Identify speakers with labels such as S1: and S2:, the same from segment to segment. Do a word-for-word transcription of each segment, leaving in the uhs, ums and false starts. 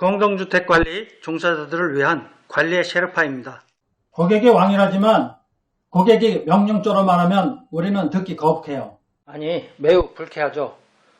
S1: 공동주택관리 종사자들을 위한 관리의 셰르파입니다.
S2: 고객이 왕이라지만 고객이 명령조로 말하면 우리는 듣기 거북해요.
S1: 아니, 매우 불쾌하죠.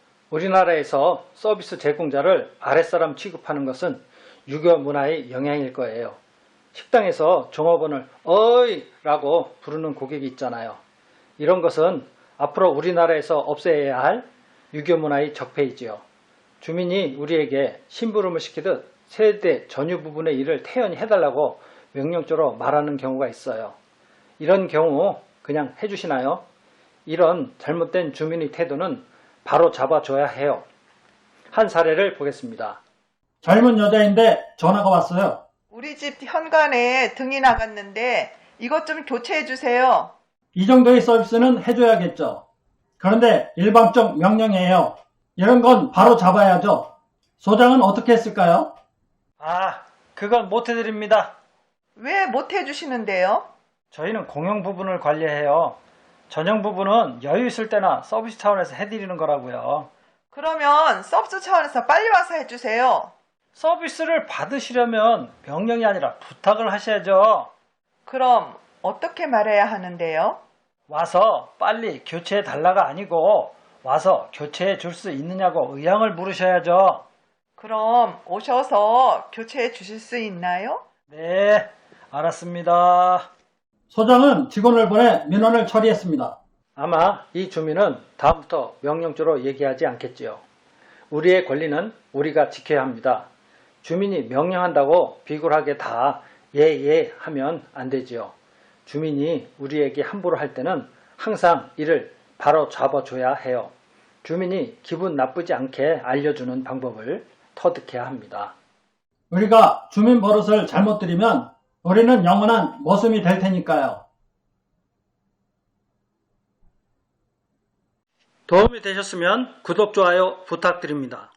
S1: 우리나라에서 서비스 제공자를 아랫사람 취급하는 것은 유교 문화의 영향일 거예요. 식당에서 종업원을 어이 라고 부르는 고객이 있잖아요. 이런 것은 앞으로 우리나라에서 없애야 할 유교 문화의 적폐이지요. 주민이 우리에게 심부름을 시키듯 세대 전유 부분의 일을 태연히 해달라고 명령조로 말하는 경우가 있어요. 이런 경우 그냥 해주시나요? 이런 잘못된 주민의 태도는 바로 잡아줘야 해요. 한 사례를 보겠습니다.
S2: 젊은 여자인데 전화가 왔어요.
S3: 우리 집 현관에 등이 나갔는데 이것 좀 교체해 주세요.
S2: 이 정도의 서비스는 해줘야겠죠. 그런데 일방적 명령이에요. 이런 건 바로 잡아야죠. 소장은 어떻게 했을까요?
S1: 아, 그건 못 해드립니다.
S3: 왜 못 해주시는데요?
S1: 저희는 공용 부분을 관리해요. 전용 부분은 여유 있을 때나 서비스 차원에서 해드리는 거라고요.
S3: 그러면 서비스 차원에서 빨리 와서 해주세요.
S1: 서비스를 받으시려면 명령이 아니라 부탁을 하셔야죠.
S3: 그럼 어떻게 말해야 하는데요?
S1: 와서 빨리 교체해 달라가 아니고 와서 교체해 줄 수 있느냐고 의향을 물으셔야죠.
S3: 그럼 오셔서 교체해 주실 수 있나요?
S1: 네, 알았습니다.
S2: 소장은 직원을 보내 민원을 처리했습니다.
S1: 아마 이 주민은 다음부터 명령조로 얘기하지 않겠지요. 우리의 권리는 우리가 지켜야 합니다. 주민이 명령한다고 비굴하게 다 예예 하면 안 되지요. 주민이 우리에게 함부로 할 때는 항상 이를 바로 잡아줘야 해요. 주민이 기분 나쁘지 않게 알려주는 방법을 터득해야 합니다.
S2: 우리가 주민 버릇을 잘못 들이면 우리는 영원한 머슴이 될 테니까요.
S1: 도움이 되셨으면 구독, 좋아요 부탁드립니다.